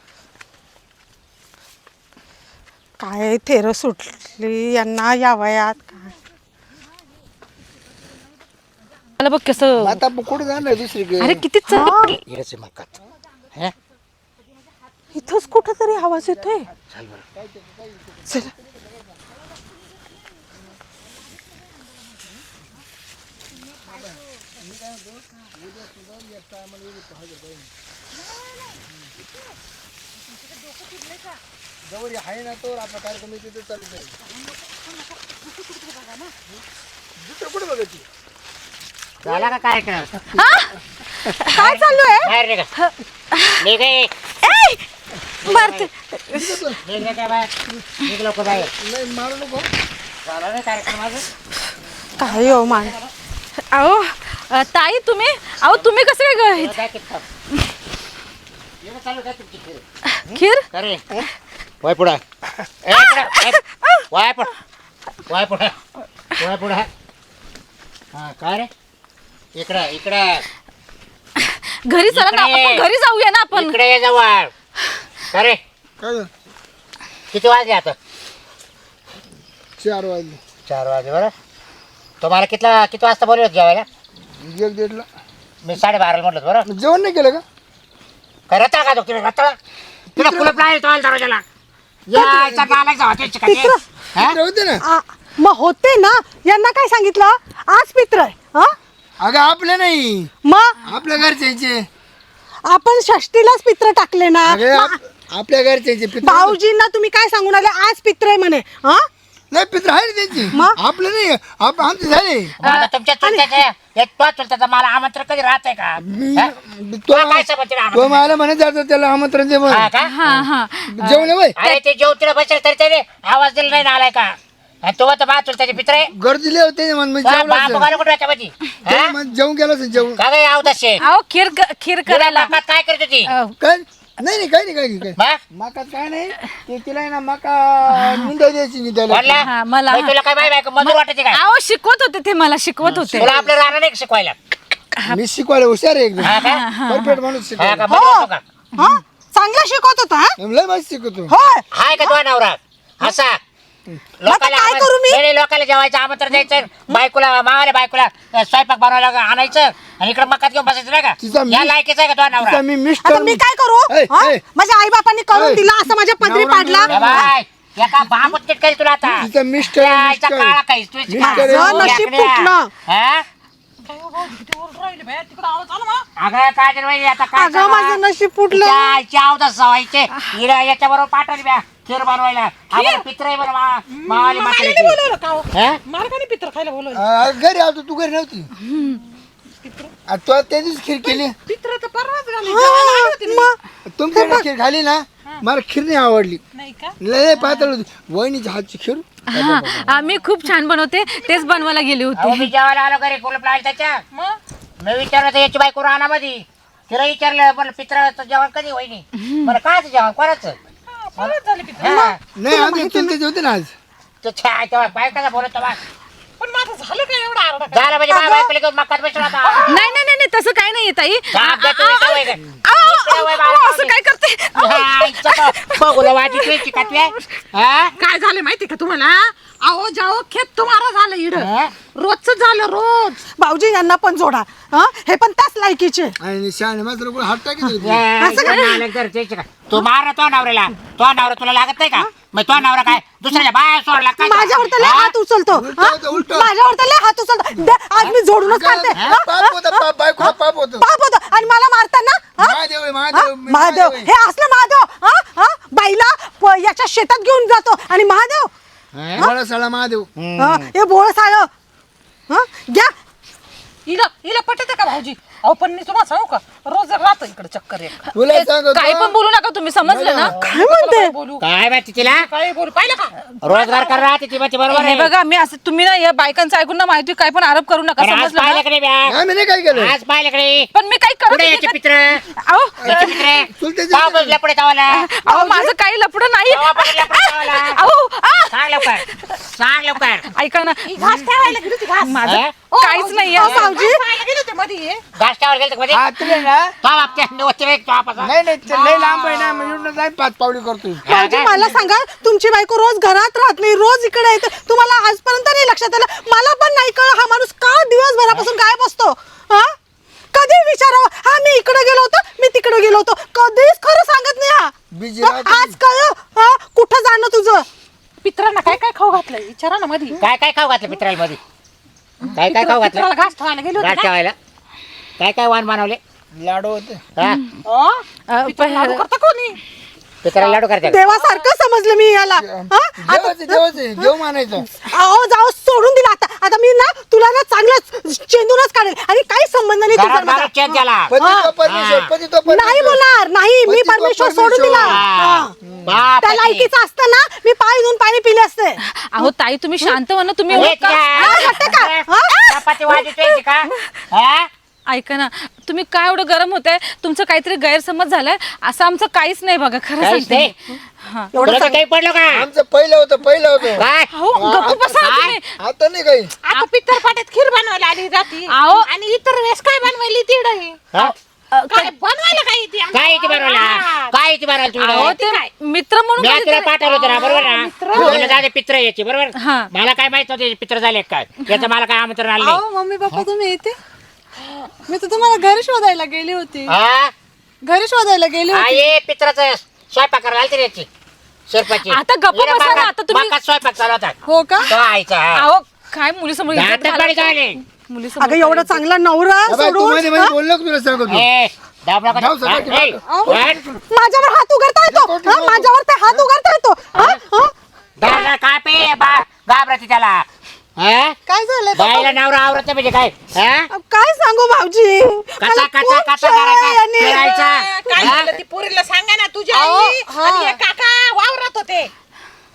Speaker 4: काय थेर सुटली यांना या वयात काय
Speaker 1: मला बघ कसं
Speaker 3: आता आपण कुठे जाणार दुसरीकडे
Speaker 1: अरे किती चल
Speaker 2: इकडेच मक्कात हे
Speaker 4: इथंच कुठं तरी आवाज येतोय
Speaker 2: चल बरं
Speaker 4: चला
Speaker 3: जवळ आहे ना तो आपला कार्यक्रम तिथे चालू करेल दुसरं कुठे बघायची
Speaker 2: झाला का कार्यक्रम
Speaker 4: काय चालू आहे
Speaker 2: बाहेर निघा निघे
Speaker 4: भारती
Speaker 2: निघ काय बाहेर निघ लोक बाहेर
Speaker 3: नाही मारू नको
Speaker 2: झाला नाही कार्यक्रम माझं
Speaker 4: काय हो मान
Speaker 1: अहो ताई तुम्ही अहो तुम्ही कसं काय
Speaker 2: काय किती येणं चालू काय तुमची खेळ
Speaker 1: खीर
Speaker 2: अरे वाय पुढा वाय पुढा वाय पुढा वाय पुढा हा काय रे इकडं इकडं
Speaker 1: घरी चला ना
Speaker 2: इकडे.
Speaker 1: आपण घरी जाऊया ना आपण
Speaker 2: इकडे ये जवळ अरे
Speaker 3: काय
Speaker 2: किती वाजले आता
Speaker 3: 4 वाजले
Speaker 2: 4 वाजले बरं तुम्हाला किती वाजता बोलवत जेवायला
Speaker 3: 1:30 ला
Speaker 2: मी 12:30 म्हटलं बरं
Speaker 3: जेवण नाही केलं का
Speaker 2: काय रत्ता का तुम्ही रत्ता तुला कुलप नाही तो दरवाजाला यायचा नालायक जावा ते चिकन
Speaker 3: तिकडे होते ना
Speaker 4: मग होते ना यांना काय सांगितलं आज पित्र आहे हा
Speaker 3: अगं आपले नाही
Speaker 4: मग
Speaker 3: आपल्या घरच्यांचे
Speaker 4: आपण षष्टीलाच पित्र टाकले ना
Speaker 3: अगं आपल्या घरच्यांचे पित्र
Speaker 4: भाऊजींना तुम्ही काय सांगून आले आज पित्र आहे म्हणे हा
Speaker 3: नाही पित्र आहे ना त्यांची
Speaker 4: मग?
Speaker 3: आपले नाही आमचे झाले
Speaker 2: आता तुमच्या चुलत्याचे तो चुलत्याचा मला आमंत्रण कधी राहत आहे का हा? तुला काय समजते
Speaker 3: तो
Speaker 2: आमंत्रण?
Speaker 3: मला म्हणत जातो त्याला आमंत्रण दे
Speaker 2: हा का?
Speaker 1: हा हा
Speaker 3: जेवण आहे
Speaker 2: अरे ते जेवतीला बसेल तरी त्याने आवाज दिला नाही ना आलाय का आणि तो तर बा चुलत्याचे पित्र आहे
Speaker 3: गर्दी लय होते ना म्हणजे
Speaker 2: बाप
Speaker 3: जेवलं असेल.
Speaker 2: बघायला कुठे याच्यामध्ये हा?
Speaker 3: जेवण गेलं असेल जेवण
Speaker 2: का काय आव तसे
Speaker 1: अहो खीर करायला
Speaker 2: काय करत होती
Speaker 1: अ,
Speaker 3: काय नाही काही नाही
Speaker 2: मग?
Speaker 3: मका काय नाही ते तिला आहे ना मका निंदा द्यायची निंदायला
Speaker 2: बोलला?
Speaker 1: हा, मला
Speaker 2: बाई, तुला काय बाई मजूर वाटायचे काय
Speaker 1: अहो शिकवत होते ते मला शिकवत होते
Speaker 2: तुला आपल्या राहणार नाही का शिकवायला
Speaker 3: मी शिकवायला हुशार आहे एकदम
Speaker 2: हा का?
Speaker 3: परफेक्ट माणूस
Speaker 2: हा
Speaker 3: शिकवायला
Speaker 2: का मजूर होतो का
Speaker 4: हा चांगला शिकवत होता हा?
Speaker 3: लय मस्त शिकवतो
Speaker 4: होय
Speaker 2: हाय का तुझा नवरा असा लोकांना
Speaker 4: काय करू मी?
Speaker 2: नाही, लोकांना जेवायचं आमंत्रण द्यायचं बायकोला मावाला बायकोला स्वयंपाक बनवायला आणायचं आणि इकडे मकात घेऊन बसायचं नाही
Speaker 3: तिचा
Speaker 2: का
Speaker 3: मी-
Speaker 2: या लायकीचा आहे का तुझा नवरा
Speaker 3: तिचा मी
Speaker 4: आता
Speaker 3: मिस्टर
Speaker 4: मी काय करू
Speaker 3: ऐ,
Speaker 4: हा?
Speaker 3: ऐ.
Speaker 4: माझ्या आई बापांनी करून
Speaker 3: ऐ.
Speaker 4: दिला असं माझ्या पदरी
Speaker 3: नवरा,
Speaker 4: पाडला
Speaker 3: नवरा.
Speaker 2: बाय एका बाबूत करी तुला आता
Speaker 3: तिचा मिस्टर आहे,
Speaker 2: यायचा
Speaker 3: मिस्टर.
Speaker 2: काळा काहीस तू
Speaker 3: मिस्टर आहे.
Speaker 4: माझं नशीब फुटलं.
Speaker 2: अगं काय वहिनी आता काय
Speaker 4: अगं माझं नशीब फुटलं
Speaker 2: अवदास सवायचे याच्या बरोबर पाठवली ब्या खीर बनवायला आम्हाला पित्र आहे बरं मावाली म्हातारीची. हा?
Speaker 4: पित्र खायला बोलवलं
Speaker 3: घरी आलो तू घरी नव्हती तो त्या दिवशी खीर केली
Speaker 4: पित्र तर परवाच
Speaker 3: तुमच्याकडे खीर खाली ना मला खीर नाही आवडली लय पातळ होती वहिनीच्या हातची खीर
Speaker 1: हा मी खूप छान बनवते तेच बनवायला गेले
Speaker 2: अहो,
Speaker 1: होते
Speaker 2: मी जेवायला आलो घरी कुलूप लावलं त्याच्या मी विचारलं तर याची बायको रानामध्ये तिला विचारलं बरं पित्राचं जेवण कधी वहिनी बरं कायचं जेवण कोणाचं हा.
Speaker 3: नाही आमच्या चुलत्याचे होते ना आज
Speaker 2: तो छाय तेव्हा बायकाचा बोलत बा
Speaker 4: पण माझं झालं काय एवढा आरडा
Speaker 2: झालं म्हणजे माझ्या बायकोला घेऊन मक्कात बसला होता
Speaker 1: नाही नाही नाही नाही, तसं काही नाहीये ताई
Speaker 2: जाम द्या तुम्ही सवय काय.
Speaker 1: असं काय करते
Speaker 2: हा, इच्छा तर बघूला वाटी तुझी कातवी आहे. हा?
Speaker 4: काय झालं माहिती का तुम्हाला अहो जाओ खेत तुम्हाला झालं इड
Speaker 2: हा?
Speaker 4: रोजच झालं रोज भाऊजी यांना पण जोडा हा हे पण त्याच लायकीचे
Speaker 3: आणि शाळे मात्र कोण हात टाकीत होती
Speaker 2: या, इकडे नालायक जरा त्याची का. तू मार तो नवऱ्याला तो नवरा तुला लागत नाही का मग तो नवरा काय दुसऱ्याच्या बाया सोडला काय
Speaker 4: माझ्यावर तर लय
Speaker 2: हा?
Speaker 4: हात उचलतो
Speaker 3: उलटं
Speaker 4: हा?
Speaker 3: होतं, उलटं.
Speaker 4: माझ्यावर तर लय हात उचलतो दे, आज मी जोडूनच काढते हा?
Speaker 3: पाप होतं पाप बायको पाप होतं
Speaker 4: पाप होतं आणि मला मारताना हा?
Speaker 3: महादेव आहे,
Speaker 4: हा?
Speaker 3: महादेव
Speaker 4: महादेव
Speaker 3: आहे.
Speaker 4: हे असलं महादेव हा? हा? बाईला याच्या शेतात घेऊन जातो आणि महादेव
Speaker 3: मला सळा महादेव
Speaker 4: हा? हे बोळ साळ घ्या हिला पटत का भाऊजी अहो पण मी तुम्हाला सांगू का रोज राहतो इकडे चक्कर एक
Speaker 3: तुला सांगतो
Speaker 1: काही पण बोलू नका तुम्ही समजलं ना
Speaker 4: काय म्हणते बोलू
Speaker 2: काय माहिती तिला
Speaker 4: काय बोलू पाहिलं का
Speaker 2: रोजगार कर राहते ती माहिती बरोबर
Speaker 1: हे
Speaker 2: आहे
Speaker 1: बघा मी असं तुम्ही ना या बायकांचं ऐकून ना माहिती काय पण आरोप करू नका
Speaker 2: पण आज
Speaker 1: समजलं ना?
Speaker 2: पाहिल्याकडे ब्या
Speaker 3: आम्ही नाही काय केलं
Speaker 2: आज पाहिल्याकडे
Speaker 1: पण मी काही करत
Speaker 2: कुठे
Speaker 1: नाही
Speaker 2: याचे
Speaker 1: का-
Speaker 2: पित्र
Speaker 1: अहो,
Speaker 2: याचे पित्र
Speaker 3: चुलत्याचे
Speaker 2: पाव बसल्या पुढे तावाला
Speaker 1: अहो माझं काही लपडं नाही
Speaker 2: तेव्हा बसल्या पुढे तावाला
Speaker 1: अहो आ!
Speaker 2: सांग लवकर सांग लवकर
Speaker 1: ऐका ना
Speaker 4: घास ठेवायला गेली होती घास
Speaker 1: माझं
Speaker 2: हा?
Speaker 1: काहीच नाहीये
Speaker 4: भाऊजी गेले होते मध्ये
Speaker 2: गाष्ट्यावर गेलं मध्ये
Speaker 3: हा तुला ना
Speaker 2: तो बापच्या नवसते वेग तो आपला
Speaker 3: नाही नाही ते लय लांब आहे ना मग एवढं जाईन 5 पावली करतोय
Speaker 4: भाऊजी मला सांगा तुमची बायको रोज घरात राहत नाही रोज इकडे येते तुम्हाला आजपर्यंत नाही लक्षात आलं मला पण नाही कळ हा माणूस का दिवसभरापासून गायब असतो हा कधी विचारावं हा मी इकडे गेलो होतो मी तिकडे गेलो होतो कधीच खरं सांगत नाही
Speaker 3: बिझी
Speaker 4: हा
Speaker 3: राहतो.
Speaker 4: आज कळ हा कुठं जाणं तुझं पित्रांना काय काय खाऊ घातलंय विचारा ना मध्ये
Speaker 2: काय काय खाऊ घातलं पित्राला मध्ये काय काय खाऊ घातलं
Speaker 4: घास ठेवायला गेलो
Speaker 2: गाठ ठेवायला काय काय वाण बनवले
Speaker 3: लाडू होते
Speaker 2: हा
Speaker 4: करता कोणी
Speaker 2: पित्राला लाडू करते का?
Speaker 4: देवासारखं समजलं मी याला हा?
Speaker 3: देवाचे देवाचे देव मानायचं
Speaker 4: अहो जाऊ सोडून दिला आता मी ना तुला ना चांगलंच चेंदूनच काढेल आणि काही संबंध नाही तुझा
Speaker 2: घरात
Speaker 4: माझा.
Speaker 2: माणूस चेत झाला
Speaker 3: पती तो परमेश्वर
Speaker 2: हा.
Speaker 3: पती तो परमेश्वर
Speaker 4: नाही बोलणार नाही मी
Speaker 3: पती तो
Speaker 4: परमेश्वर सोडून
Speaker 3: परमेश्वर.
Speaker 4: दिला
Speaker 2: हा.
Speaker 4: हा.
Speaker 2: बाप
Speaker 4: त्या
Speaker 2: रे.
Speaker 4: लायकीचं असतं ना मी पाय धुवून पाणी पिले असते
Speaker 1: अहो ताई तुम्ही शांत व्हा ना तुम्ही
Speaker 2: हे
Speaker 1: एवढं का-
Speaker 2: काय?
Speaker 4: वाटतं का? हा?
Speaker 2: चपाती वाजतोय का हा?
Speaker 1: ऐका ना तुम्ही काय एवढं गरम होतंय तुमचं काहीतरी गैरसमज झालाय असं आमचं काहीच नाही बघा खरं
Speaker 2: काहीच
Speaker 1: सांगते
Speaker 2: नाही?
Speaker 1: हा.
Speaker 2: तुला तर काही पडलं का
Speaker 3: आमचं पहिलं होतं
Speaker 2: काय
Speaker 1: अहो गप्प बसा
Speaker 2: काय?
Speaker 1: तुम्ही
Speaker 3: आता नाही काही
Speaker 4: आता पित्तर पाट्यात खीर बनवायला आली जाती
Speaker 1: अहो
Speaker 4: आणि इतर वेळेस काय बनवायली तिडही
Speaker 2: हा?
Speaker 4: काय बनवायला काय येते
Speaker 2: काय इथे बनवला काय इथे बनवला
Speaker 1: अहो
Speaker 2: तुला
Speaker 1: ते मित्र म्हणून
Speaker 2: मी
Speaker 1: कधीतरी-
Speaker 2: तुला पाठवलं होतं ना बरोबर ना तुला जाते पित्र याची बरोबर
Speaker 1: हा.
Speaker 2: मला काय माहित नव्हते पित्र झाले काय याचं मला काय आमंत्रण आलं नाही
Speaker 6: मम्मी पप्पा तुम्ही येते मी तर तुम्हाला घरी शोधायला गेली होती
Speaker 2: हा?
Speaker 6: घरी शोधायला गेली
Speaker 2: हा,
Speaker 6: होती
Speaker 2: ये पित्राचं स्वयंपाक करायला आलती रे याची शेरपाची
Speaker 1: आता गप्प
Speaker 2: हिला
Speaker 1: बसा ना,
Speaker 2: मका-
Speaker 1: आता तुम्ही-
Speaker 2: मका स्वयंपाक चालू होता
Speaker 6: हो का
Speaker 2: तो आईचा हा.
Speaker 1: अहो काय मुलीसमोर इज्जत
Speaker 2: दातात पाणी
Speaker 1: घालायचं?
Speaker 2: झाले
Speaker 1: मुलीसमोर
Speaker 4: अगं एवढा चांगला नवरा
Speaker 3: अबे, तू मध्ये
Speaker 4: सोडून
Speaker 3: मध्ये बोललो का तुला सांगतो
Speaker 2: ए, दाब नका.
Speaker 3: जाऊ सगळं
Speaker 2: हा,
Speaker 3: की
Speaker 2: ए,
Speaker 3: बाजू.
Speaker 2: वन.
Speaker 4: माझ्यावर हात उघडता येतो हा? माझ्यावर ते हात उघडता येतो हा? हा?
Speaker 2: दादा काय पे घाबरते त्याला हा?
Speaker 6: काय झालंय
Speaker 2: बाईला नवरा आवरत नाही म्हणजे काय हा?
Speaker 4: काय सांगू भाऊजी
Speaker 2: कसा
Speaker 4: मला
Speaker 2: कसा
Speaker 4: खूप
Speaker 2: कसा
Speaker 4: छळ आहे
Speaker 2: करायचा
Speaker 4: आणि-
Speaker 2: फिरायचा
Speaker 7: काय
Speaker 2: हा?
Speaker 7: झालं ती पोरीला सांगा ना तुझ्या
Speaker 6: अहो,
Speaker 7: आई
Speaker 6: हा.
Speaker 7: आणि हे काका वावरात होते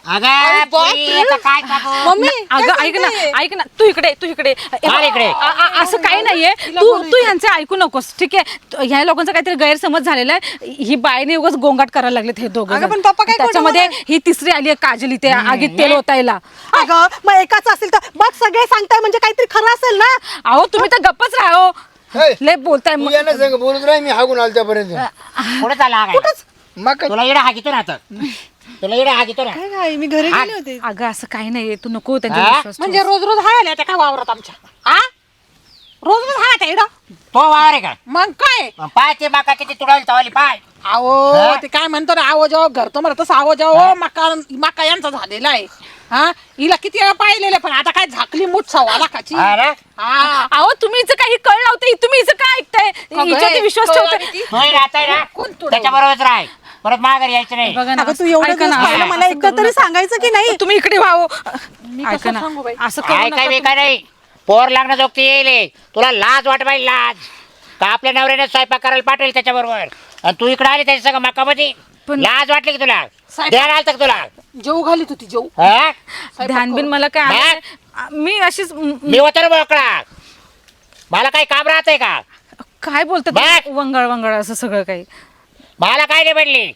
Speaker 2: अगं पुरी, आता काय सांगू?
Speaker 6: मम्मी
Speaker 1: अगं ऐक ना ऐक ना तू इकडे
Speaker 2: काय इकडे?
Speaker 1: असं काही नाहीये तू यांचे ऐकू नकोस ठीक आहे ह्या लोकांचा काहीतरी गैरसमज झालेला आहे ही बाईने उगाच गोंगाट करायला लागलेत हे दोघं
Speaker 4: अगं,
Speaker 1: जण.
Speaker 4: पण पप्पा काय खोटं
Speaker 1: त्याच्यामध्ये
Speaker 4: बोलणार?
Speaker 1: ही तिसरी आली आहे काजल इथे आगीत तेल ओतायला
Speaker 4: अगं मग एकाच असेल तर बघ सगळे सांगताय म्हणजे काहीतरी खरं असेल ना.
Speaker 1: अहो तुम्ही तर गप्पच राहो
Speaker 3: हे,
Speaker 1: लय बोलताय
Speaker 3: तू
Speaker 1: मग.
Speaker 3: यांना सांग बोलत राही मी हागून आलो त्यापर्यंत
Speaker 2: कुठे चालला हा काय?
Speaker 3: मग काय?
Speaker 2: तुला इडा हागितो ना आता तुला इडा हागितो ना
Speaker 6: काय काय मी घरी गेले होते
Speaker 1: अगं असं काही नाहीये तू नको त्यांच्या
Speaker 2: हा?
Speaker 1: विश्वास
Speaker 4: म्हणजे रोज रोज हायला त्या काय वावरत आमच्या हा रोज रोज हाय त्या इडं
Speaker 2: तो वावर आहे का
Speaker 4: मग काय
Speaker 2: पाय ते माका किती तुडाली तवाली पाय
Speaker 4: आहो
Speaker 2: हा?
Speaker 4: ते काय म्हणतो ना आहो जाओ घर तो म्हणत तसं आहो जाओ मका मका यांचा झालेला आहे हा हिला किती वेळा पाहिलेलं पण आता काय झाकली मूठ सव्वा लाखाची
Speaker 2: हा ना?
Speaker 4: हा
Speaker 1: अहो तुम्ही हिचं काही कळ लावते तुम्ही हिचं काय ऐकताय हिच्यावरती विश्वास ठेवताय
Speaker 2: तो राहताय ना त्याच्याबरोबरच राह परत माघारी यायचं नाही
Speaker 1: बघा ना
Speaker 4: अगं तू एवढं
Speaker 1: ऐका
Speaker 4: दिवस
Speaker 1: ना,
Speaker 4: पाहिलं मला
Speaker 1: असं
Speaker 4: एकदा
Speaker 1: करू
Speaker 4: तरी
Speaker 1: नका.
Speaker 4: सांगायचं की नाही
Speaker 1: तुम्ही इकडे व्हावं
Speaker 4: कसं
Speaker 1: ऐका ना
Speaker 4: सांगू बाई?
Speaker 1: असं करू
Speaker 2: काय
Speaker 1: नका
Speaker 2: काय
Speaker 1: तुम्ही.
Speaker 2: बेकार नाही पोर लागणं जोगती येईल तुला लाज वाट पाहिजे लाज का आपल्या नवऱ्याने स्वयंपाक करायला पाठवेल त्याच्याबरोबर आणि तू इकडे आली त्याच्या सगळं मकामध्ये
Speaker 1: पण-
Speaker 2: लाज वाटली की तुला
Speaker 4: स्वयंपाक-
Speaker 2: द्यायला आलं का तुला
Speaker 4: जेव घालीत होती जेव
Speaker 2: हा?
Speaker 1: ध्यान बिन मला काय आलं नाही. मी अशीच
Speaker 2: मी होतो ना मोकळा मला काही काम राहतंय का
Speaker 1: काय बोलतात
Speaker 2: बघ.
Speaker 1: वंगळ वंगळ असं सगळं काही
Speaker 2: मला काय नाही पडली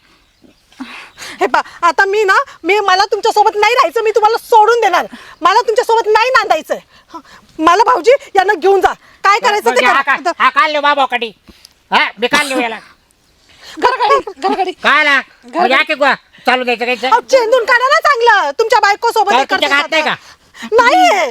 Speaker 4: हे पा आता मी मला तुमच्या सोबत नाही राहायचं मी तुम्हाला सोडून देणार मला तुमच्या सोबत नाही नांदायचं मला भाऊजी यांना घेऊन जा काय करायचं ते
Speaker 2: हा
Speaker 4: करा.
Speaker 2: हा काल लिहू बाबा कडी हा मी काल लिहू याला
Speaker 4: घरगाडी
Speaker 2: काय आला म्हणजे आके गोवा चालू द्यायचं कायचं
Speaker 4: अहो, चेंदून काढा ना चांगलं तुमच्या बायको सोबत
Speaker 2: काय
Speaker 4: हे
Speaker 2: तुमच्या
Speaker 4: करते
Speaker 2: हात नाही
Speaker 4: आता. नाहीये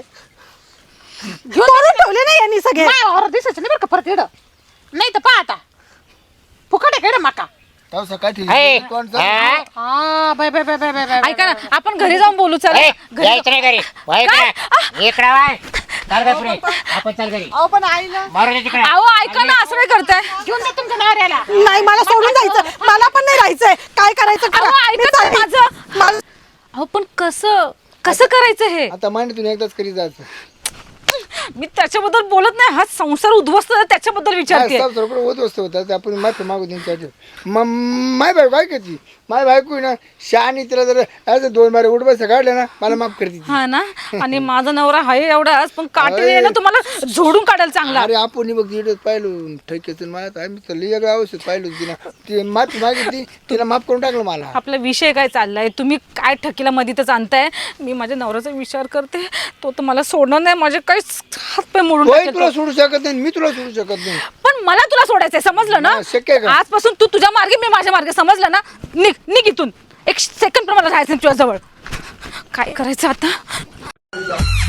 Speaker 4: करून ठेवले नाही यांनी सगळे
Speaker 6: दिसायचं नाही बरं का परत येडं नाही तर पहा आता फुकट आहे का मका
Speaker 3: तेव्हा सकाळी
Speaker 2: हे,
Speaker 3: ठीक कोण
Speaker 2: हा?
Speaker 6: हा bye bye bye bye bye bye
Speaker 1: ऐका ना आपण घरी जाऊन बोलू चला
Speaker 2: ए,
Speaker 1: घरी
Speaker 2: यायचं नाही घरी वय
Speaker 1: काय?
Speaker 2: इकडे इकडे वाय चाल गं पुढे आपण चाल घरी
Speaker 6: अहो पण आईला
Speaker 2: मारू दे तिकडे
Speaker 1: अहो ऐका ना असं काय करताय
Speaker 6: घेऊन जा तुमच्या नवऱ्याला
Speaker 4: नाही मला सोडून जायचं मला पण नाही राहायचंय काय करायचं करा.
Speaker 1: अहो,
Speaker 4: मी
Speaker 1: ऐका ना
Speaker 4: चालली.
Speaker 1: माझं.
Speaker 4: मला-
Speaker 1: अहो पण कसं करायचं हे
Speaker 3: आता मांडीतून एकदाच करीत जायचं
Speaker 1: मी त्याच्याबद्दल बोलत नाही हा संसार उद्ध्वस्त आहे, त्याच्याबद्दल विचारते
Speaker 3: होत असतो होता आपण माफी मागू त्यांच्यासाठी माय बायको काय करते माय बायको आहे ना शहाणी तिला जर असं 2 बारे उठ बसा काढल्या ना मला माफ करते ती.
Speaker 1: हा ना आणि माझा नवरा आहे एवढाच पण काटे ना तुम्हाला झोडून काढायला चांगला
Speaker 3: अरे आपण बघ तिकडे पाहिलं ठेकेतून मला आम्ही तर लई औषध पाहिलं तिला ती माफी मागितली तिला माफ करून टाकलं मला
Speaker 1: आपला विषय काय चाललाय तुम्ही काय ठकीला मधीतच आणताय मी माझ्या नवऱ्याचा विचार करते तो तर मला सोडणार नाही माझे काहीच हात पाय मोडून
Speaker 3: तोही
Speaker 1: टाकेल
Speaker 3: तुला
Speaker 1: तो.
Speaker 3: सोडू शकत नाही मी तुला सोडू शकत नाही
Speaker 1: पण मला तुला सोडायचंय समजलं ना
Speaker 3: हा, शक्य आहे का?
Speaker 1: आजपासून तू तुझ्या मार्गे मी माझ्या मार्गे समजलं ना निघ इथून 1 सेकंड पण मला राहायचं तुझ्या जवळ काय करायचं आता